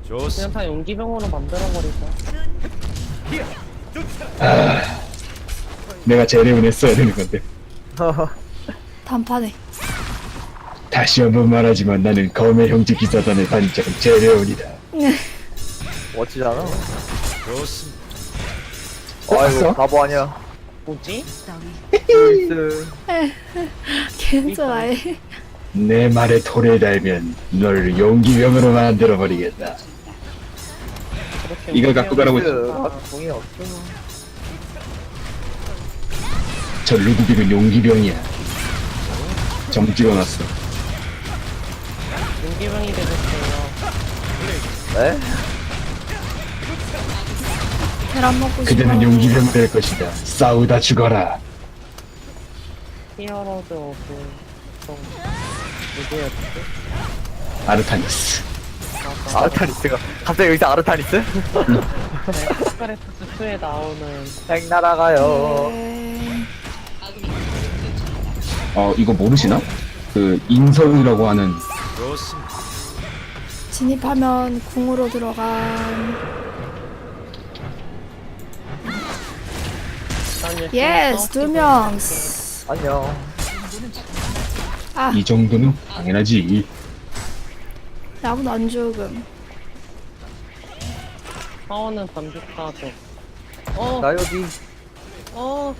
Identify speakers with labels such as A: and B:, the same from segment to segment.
A: 그냥 다 용기병으로 만들어버리자.
B: 내가 제레온 했어야 되는 건데.
C: 단판에.
B: 다시 한번 말하지만 나는 검의 형제 기사단의 단장 제레온이다.
D: 멋지잖아.
B: 봤어?
D: 아이고 바보 아니야.
A: 뭐지?
D: 루이스.
C: 괜찮아해.
B: 내 말에 토를 달면 널 용기병으로 만들어버리겠다.
A: 그렇게
B: 이걸 갖고 가라고
D: 루이스. 동이 없죠.
B: 저 루드빅은 용기병이야. 정 찍어놨어.
A: 용기병이 되겠어요.
D: 네?
C: 계란 먹고 싶어.
B: 그대는 용기병 될 것이다. 싸우다 죽어라.
A: 히어로즈 오브 좀 누구였지?
B: 아르타니스.
A: 맞아.
D: 아르타니스가 갑자기 여기서 아르타니스?
A: 네, 스카레프스 2에 나오는
D: 행 날아가요.
C: 네.
B: 이거 모르시나? 그 인설이라고 하는
C: 진입하면 궁으로 들어간. 예스 2명.
D: 안녕.
C: 아
B: 이 정도는 당연하지.
C: 아무도 안 죽음.
A: 사원은 반죽가족.
D: 나 여기.
A: 어.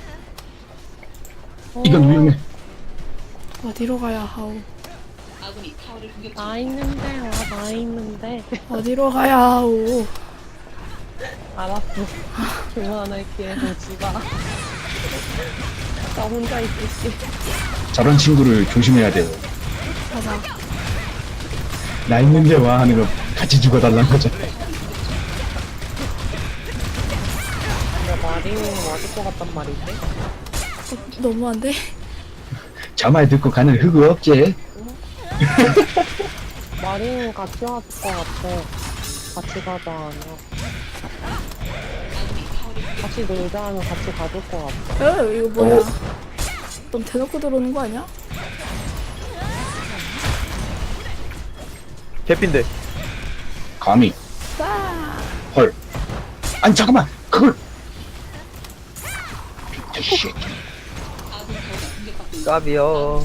B: 이건 위험해.
C: 어디로 가야 하오?
A: 나 있는데, 나 있는데.
C: 어디로 가야 하오?
A: 알았어. 그만할게, 오지마. 나 혼자 있을게.
B: 저런 친구를 조심해야 돼요.
C: 가자.
B: 나 있는데 와 하는 거 같이 죽어달라는 거죠.
A: 근데 마리는 맞을 것 같단 말인데?
C: 너무한데?
B: 저 말 듣고 가는 흑우 없지?
A: 마리는 같이 왔을 것 같아. 같이 가자 하면. 같이 놀자 하면 같이 가줄 것 같아.
C: 이거 뭐야? 넌 대놓고 들어오는 거 아니야?
D: 개핀데.
B: 감히.
C: 빠.
B: 헐. 아니 잠깐만. 그걸. 씨.
D: 까비요.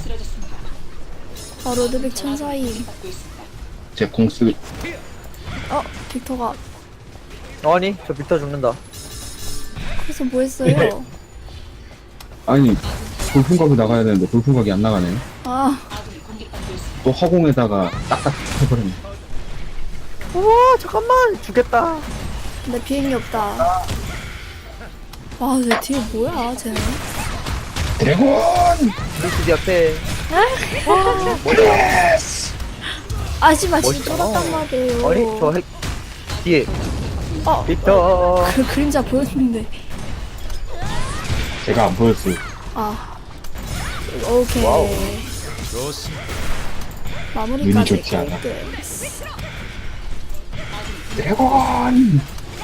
C: 로드빅 천사임.
B: 제 공쓰.
C: 빅터가
D: 아니 저 빅터 죽는다.
C: 그래서 뭐 했어요?
B: 아니 돌풍각이 나가야 되는데 돌풍각이 안 나가네.
C: 아,
B: 또 허공에다가 딱딱 해버렸네.
D: 우와 잠깐만 죽겠다.
C: 근데 비행기 없다. 와, 내 뒤에 뭐야, 쟤는?
B: 드래곤!
D: 루이스 옆에.
C: 아씨발, 진짜
D: 멋있다.
C: 쫄았단 말이에요.
D: 아니 저 뒤에
C: 어,
D: 빅터.
C: 그 그림자 보였는데.
B: 제가 안 보였어요.
C: 아, 오케이.
D: 와우.
C: 마무리까지.
B: 눈이 좋지 않아.
C: 끝.
B: 드래곤!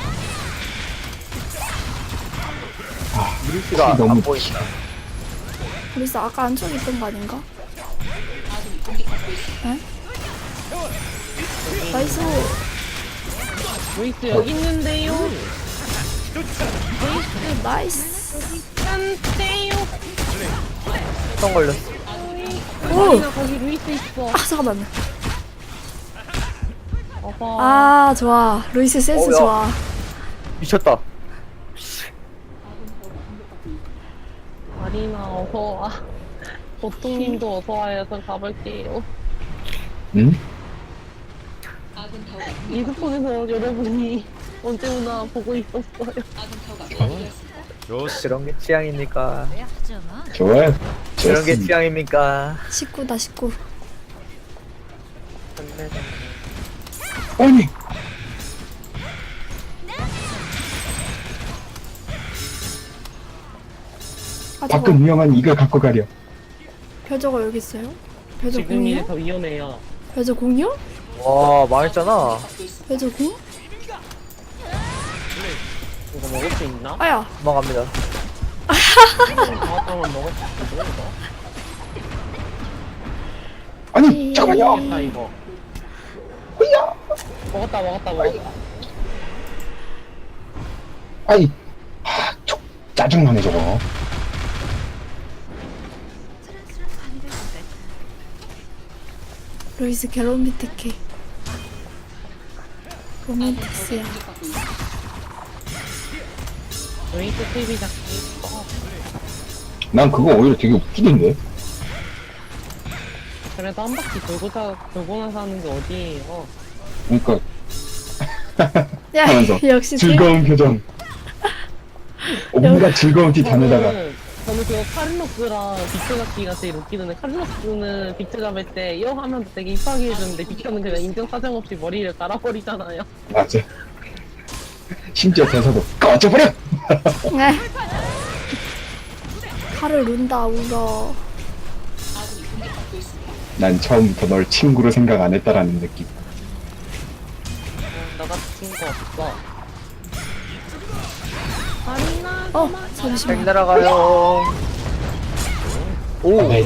D: 루이스가
B: 너무
D: 안 보인다.
C: 그래서 아까 안쪽에 있던 거 아닌가? 에? 나이스.
A: 루이스 여기 있는데요.
C: 나이스.
A: 안돼요.
D: 성 걸렸어.
C: 오!
A: 나 거기 루이스 있어.
C: 아, 잠깐만.
A: 어서.
C: 아, 좋아. 루이스 센스
D: 야.
C: 좋아.
D: 미쳤다.
A: 마리나 어서 와. 보통님도 어서 와요. 저 가볼게요.
B: 응?
A: 이스폰에서 여러분이 언제 오나 보고 있었어요.
D: 그런 게 취향입니까?
B: 좋아요.
D: 그런 게
B: 좋습니다.
D: 취향입니까?
C: 19다, 19.
B: 아니!
C: 아,
B: 밖은
C: 저거.
B: 위험한 이걸 갖고 가려.
C: 벼저가 여기 있어요? 벼저
A: 지금
C: 공이요?
A: 이래서 위험해요.
C: 벼저 공이요?
D: 와 망했잖아.
C: 벼저 공?
A: 이거 먹을 수 있나?
C: 아야.
D: 도망갑니다.
A: 다음번 먹을 수 있어 이거?
B: 아니, 잠깐만요!
A: 나 이거.
B: 뭐야?
A: 먹었다.
B: 아이, 짜증나네 저거.
C: 루이스 게로미티케. 로맨틱스야.
A: 웨이트 TV 잡기.
B: 난 그거 오히려 되게 웃기던데.
A: 그래도 한 바퀴 돌고 나서 하는 게 어디예요?
B: 그러니까
C: 야,
B: 하면서
C: 역시
B: 즐거운 표정. 온갖 즐거운 티 다내다가
A: 저는 그거 카를로스랑 빅트 잡기가 제일 웃기던데, 카를로스는 빅트 잡을 때 이어 하면서 되게 이쁘게 해주는데 빅트는 그냥 인정 사정 없이 머리를 갈아버리잖아요.
B: 맞아. 심지어 대사도 꺼져버려.
C: 네. 칼을 눈다 울어.
B: 난 처음부터 널 친구로 생각 안 했다라는 느낌.
A: 나 같은 거 없어. 아니나.
C: 잠시만.
D: 백 날아가요. 오,
B: 네.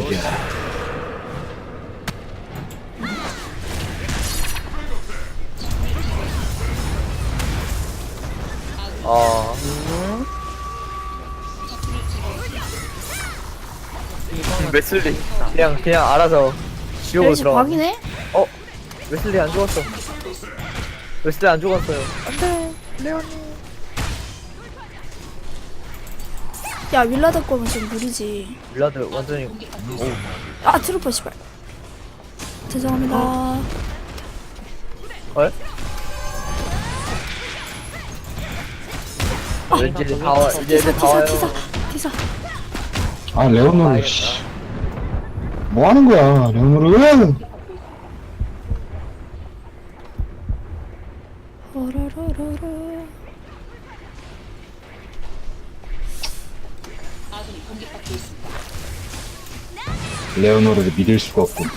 D: 아, 웨슬리 그냥 알아서 지옥으로
C: 루이스
D: 들어가.
C: 박이네?
D: 어, 웨슬리 안 죽었어. 웨슬리 안 죽었어요.
C: 안돼. 레오니. 야, 윌라드 거면 좀 무리지.
D: 블라드 완전히. 오,
C: 아, 트루퍼 씨발. 죄송합니다.
D: 헐? 왠지 이제 다 와, 이제 애들 다 와요.
C: 티사.
B: 아 레오노르 씨. 뭐 하는 거야 레오노르?
C: 호로로로로.
B: 레오노르를 믿을 수가 없군.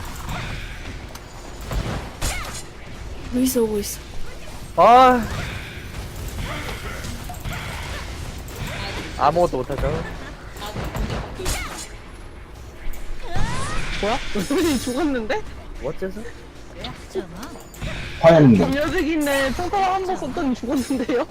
C: 루이스 오고 있어.
D: 아, 아무것도 못하죠.
A: 뭐야? 우리 죽었는데?
D: 어째서?
B: 화염님
A: 녀석이네. 평타를 한번 썼더니 죽었는데요?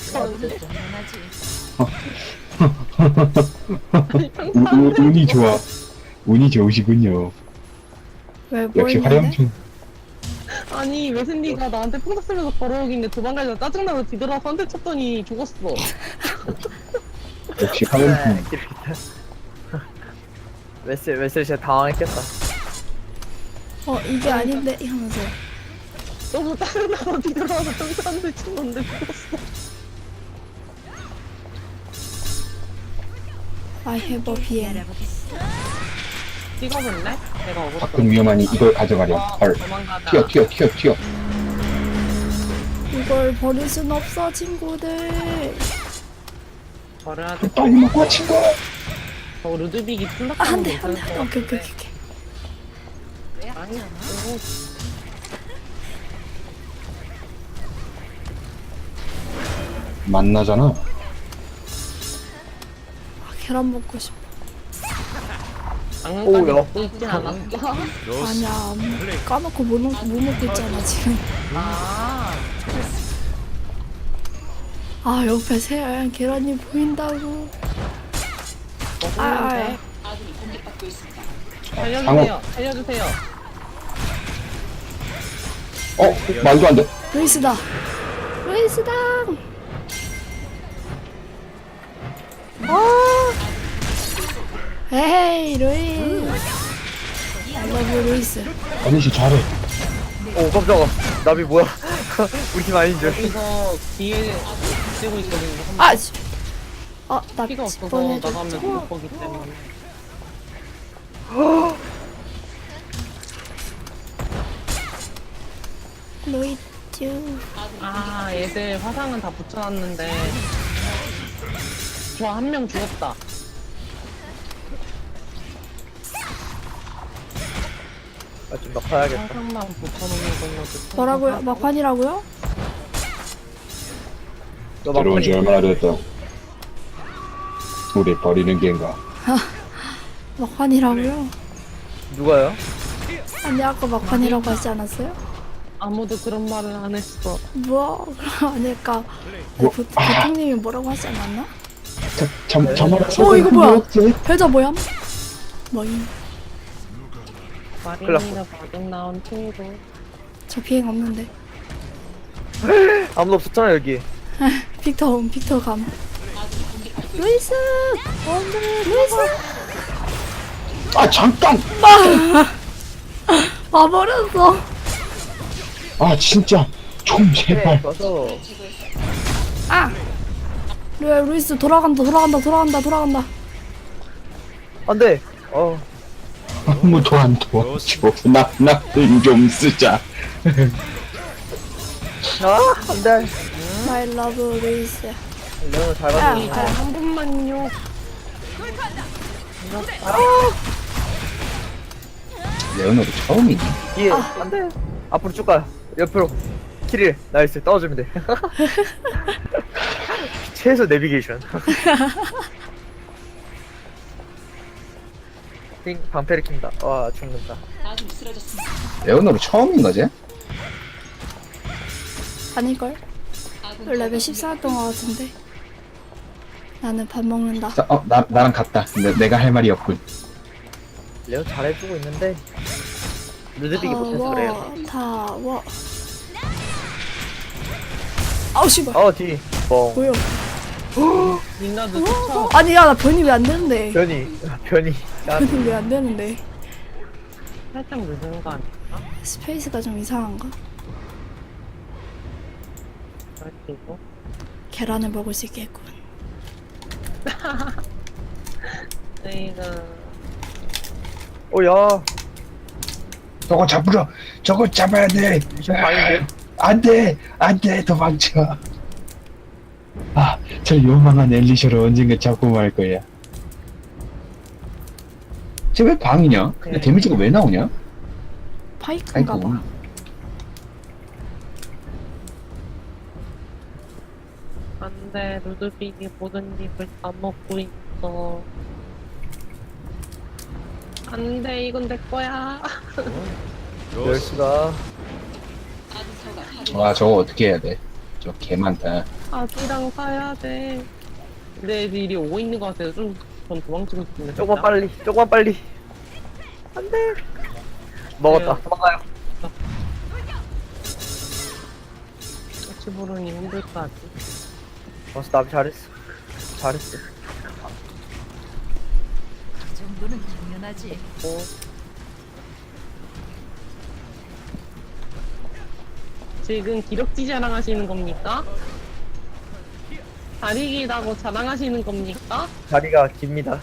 A: 아니, 평타
B: 운이 좋아. 운이 좋으시군요.
C: 왜, 뭐
B: 역시
C: 했는데?
B: 화염충.
A: 아니 웨슬리가 나한테 평타 쓰면서 걸어오길래 도망가려다 짜증나서 뒤돌아서 한 대 쳤더니 죽었어.
B: 역시 화염충.
D: 네, 웨슬리 진짜 당황했겠다.
C: 이게 아닌데 하면서.
A: 너무 짜증나서 뒤돌아서 평타 한 대 쳤는데 죽었어.
C: I have a BM.
A: 찍어볼래? 내가 억울해.
B: 가끔 위험하니 이걸 가져가렴. 헐.
A: 도망가자.
B: 튀어.
C: 이걸 버릴 순 없어, 친구들.
A: 버려야 돼.
B: 빨리 먹고 와 친구.
A: 저 루드빅이
C: 아,
A: 플락하는
C: 안
A: 거
C: 돼, 안 돼.
A: 괜찮을 것
C: 오케이.
A: 같아. 아니,
B: 만나잖아.
C: 아, 계란 먹고 싶어.
A: 장난감이
D: 오야.
A: 먹고 있진 않았어.
C: 아니야, 까놓고 못 먹고 있잖아, 지금. 아, 옆에 새하얀 계란이 보인다고.
A: 먹으면 돼. 살려주세요.
B: 말도 안 돼.
C: 루이스다. 에이, 루이스. I love 루이스.
B: 아니씨 잘해.
D: 오, 깜짝아. 나비 뭐야? 우리 팀 아닌 줄.
A: 여기서 뒤에 쓰고 있거든요.
C: 아, 나
A: 피가 없어서
C: 뻔해줬죠.
A: 나가면 못 보기 때문에.
C: 루이스.
A: 아, 얘들 화상은 다 붙여놨는데. 좋아, 한 명 죽었다.
D: 아, 좀 낙하야겠다.
A: 화상만 붙여놓는 걸로.
C: 뭐라고요? 막판이라고요?
D: 너
B: 들어온 지
D: 막판이.
B: 얼마나 됐다. 우리 버리는 게인가.
C: 막판이라고요?
D: 누가요?
C: 아니, 아까 막판이라고 하지 않았어요?
A: 아무도 그런 말을 안 했어.
C: 뭐 아닐까?
B: 뭐,
C: 보통님이 뭐라고 하지 않았나?
B: 저만
C: 이거 뭐야? 배자 뭐야? 뭐임?
A: 마린이가 마중 나온 친구.
C: 저 비행 없는데.
D: 아무도 없었잖아 여기.
C: 빅터 감. 루이스! 루이스!
B: 아 잠깐.
C: 와버렸어.
B: 아 진짜 좀 제발.
D: 와서
C: 아! 루이스 돌아간다.
D: 안돼.
B: 아무도 안 도와줘. 나좀 쓰자.
D: 안돼.
C: My love 루이스.
D: 레오는 잘
C: 아,
D: 봤네.
A: 한 번만요.
B: 레오노도 처음이니?
D: 뒤에 안돼. 앞으로 쭉 가. 옆으로. 키릴 나이스 떨어지면 돼. 최소 내비게이션. 띵 방패를 킨다. 와 죽는다.
B: 레오노도 처음인 거지?
C: 아닐걸? 레벨 14였던 것 같은데. 나는 밥 먹는다.
B: 나랑 같다. 내가 할 말이 없군.
D: 레오 잘해주고 있는데 루드빅이 못해서 그래요.
C: 타워. 아우 씨발.
D: 뒤. 뻥.
C: 뭐야?
A: 민나도 쫓아.
C: 아니 야 나 변이 왜 안 되는데?
D: 변이.
C: 변이 왜 안 되는데?
A: 살짝 늦은 거 아닐까?
C: 스페이스가 좀 이상한가?
A: 그리고
C: 계란을 먹을 수 있겠군.
A: 저희가
D: 야.
B: 저거 잡아야 돼.
D: 아닌데?
B: 안 돼, 도망쳐. 저 요망한 엘리셔를 언젠가 잡고 말 거야. 쟤 왜 방이냐? 근데 데미지가 왜 나오냐?
C: 파이크인가
B: 아이고.
C: 봐.
A: 안돼 루드빅이 모든 입을 다 먹고 있어. 안돼 이건 내 거야.
D: 멸수가
B: 와, 저거 어떻게 해야 돼? 저 개 많다.
A: 아기랑 사야 돼. 근데 애들이 오고 있는 것 같아서 전 도망치고 싶은데.
D: 조금만 빨리. 안돼. 먹었다.
A: 네.
D: 도망가요.
A: 치부르니 힘들까지.
D: 나비 잘했어.
E: 정도는 당연하지.
A: 지금 기럭지 자랑하시는 겁니까? 다리 길다고 자랑하시는 겁니까?
D: 다리가 깁니다.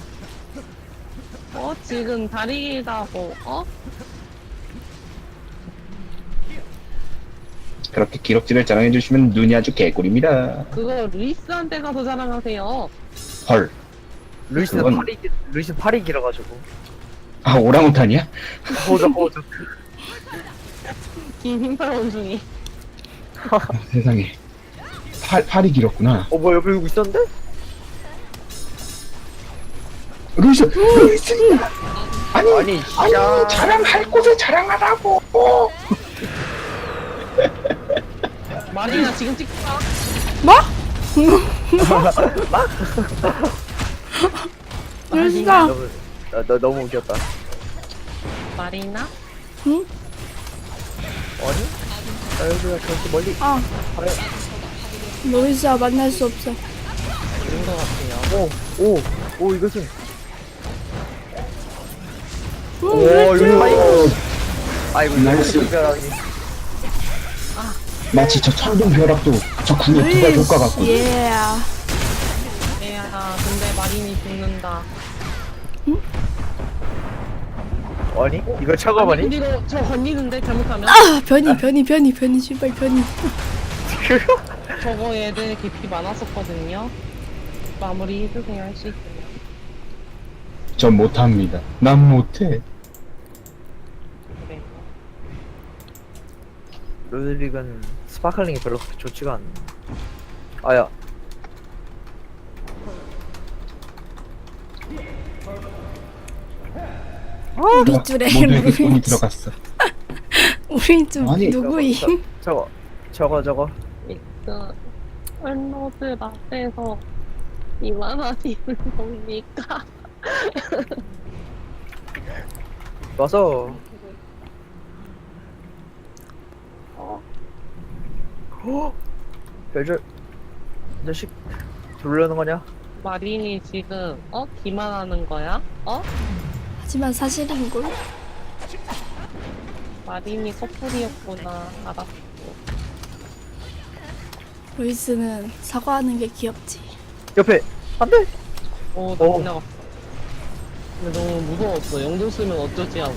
A: 지금 다리 길다고
B: 그렇게 기록지를 자랑해주시면 눈이 아주 개꿀입니다.
A: 그거 루이스한테 가서 자랑하세요.
B: 헐.
D: 루이스는
B: 그건-
D: 팔이 길어가지고.
B: 오랑우탄이야?
D: 호적.
A: 긴 흰팔 원숭이.
B: 세상에. 팔이 길었구나.
D: 뭐야 옆에 누구 있었는데?
B: 루이스!
D: 아니 진짜.
B: 자랑할 곳에 자랑하라고!
A: 마리나 지금 찍자.
C: 뭐? 루이스가
D: 너 너무 웃겼다.
A: 마리나?
C: 응?
D: 아니? 여기가 저렇게 멀리.
C: 루이스와 만날 수 없어.
A: 그런 것 같아요.
D: 오 이것은.
C: 루이스.
D: 아이고
B: 나이스.
D: 이거 특별하게.
B: 마치 저 천둥벼락도 저 궁의 두발 효과 같고.
C: 예.
A: 애야, 근데 마린이 죽는다.
D: 아니? 이거 차가워니?
A: 근데 이거 저 건니는데 잘못하면?
C: 변이 씨발 변이.
A: 저거 애들 깊이 많았었거든요. 마무리 해주세요, 할 수 있으면.
B: 전 못합니다. 난 못해.
A: 그래.
D: 루드빅은 스파클링이 별로 그렇게 좋지가 않네. 아야.
C: 밑줄에
B: 모두에게 돈이
C: 루이스.
B: 들어갔어.
C: 우리 좀
B: 아니,
C: 누구임?
D: 저거.
A: 일단 헬로드 앞에서 이만하지는 뭡니까?
D: 와서. 별줄 이 자식 돌려는 거냐?
A: 마린이 지금 기만하는 거야?
C: 하지만 사실인걸?
A: 마린이 커플이었구나. 알았어.
C: 루이스는 사과하는 게 귀엽지.
D: 옆에 안돼.
A: 나
D: 어.
A: 지나갔어. 근데 너무 무서웠어. 영도 쓰면 어쩌지 하고.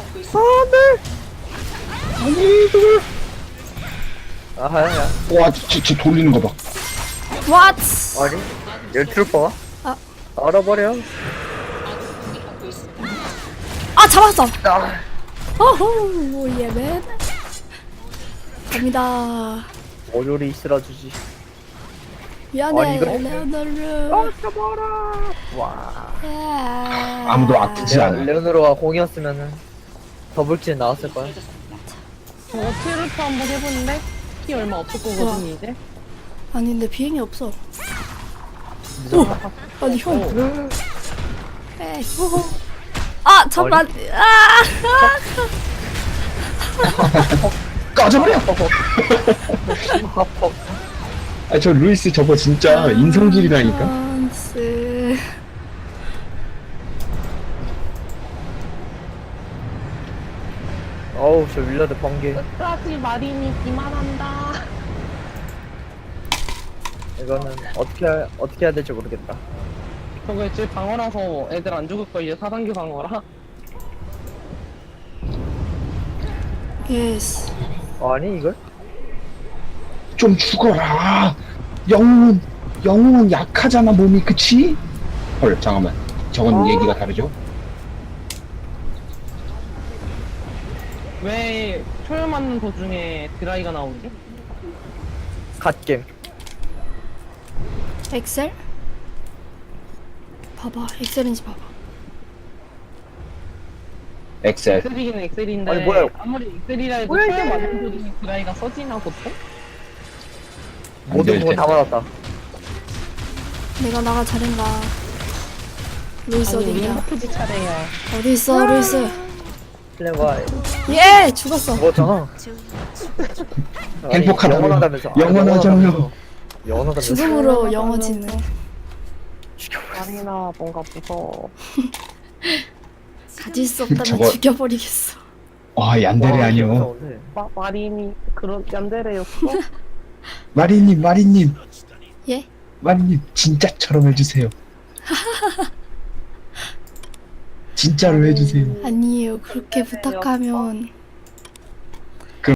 D: 아하야.
B: 와, 쟤 돌리는 거 봐.
C: What?
D: 아니 얘 트루퍼가?
C: 아.
D: 알아버려.
C: 아 잡았어.
D: 아.
C: 어후 예맨. 갑니다.
D: 어조리 있으라주지.
C: 미안해
D: 이거-
C: 레오노르.
D: 잡아라. 와.
B: 아무도 아프지 않아.
D: 레오노르가 공이었으면은 더블킬 나왔을 거야.
A: 트루프 한번 해보는데 키 얼마 없을 거거든 이제.
C: 아니 근데 비행이 없어. 아니 형. 에이. 아 잠깐.
B: 꺼져버려! 아, 저 루이스 저거 진짜 인성질이라니까?
C: 찬스.
D: 어우 저 윌라드 번개.
A: 끝까지 마린이 기만한다.
D: 이거는 어떻게 해야 될지 모르겠다.
A: 저거 제 방어라서 애들 안 죽을 거 이제 4단계 방어라.
C: 예스.
D: 아니 이걸?
B: 좀 죽어라! 영웅은 약하잖아, 몸이, 그치? 헐, 잠깐만. 저건 얘기가 다르죠?
A: 왜 초열 맞는 도중에 드라이가 나오지?
D: 갓겜.
C: 엑셀? 봐봐 엑셀인지 봐봐.
B: 엑셀.
A: 엑셀이긴 엑셀인데
D: 아니, 뭐야.
A: 아무리 엑셀이라 해도
D: 뭐야,
A: 초열
D: 이게.
A: 맞는 도중에 드라이가 써지나 보통?
B: 안
D: 모든
B: 될
D: 부분 다
B: 텐데.
D: 받았다.
C: 내가 나가 잘인가. 루이스
A: 아니 우리
C: 어디냐?
A: 행복해지 차례야.
C: 어디 있어 루이스?
D: 플랜과
C: 예 죽었어.
D: 죽었잖아.
B: 행복하다고요.
D: 영원하다면서.
B: 영원하잖아요.
D: 영원하다면서.
C: 죽음으로 영어 짓는.
A: 마린아 뭔가 무서워.
C: 가질 수 없다면
B: 저거-
C: 죽여버리겠어.
B: 와, 얀데레 아니요.
A: 마린이 그런 얀데레였어?
B: 마리님,
C: 예?
B: 마리님, 진짜처럼 해주세요. 진짜로 해주세요.
C: 아니에요. 그렇게 부탁하면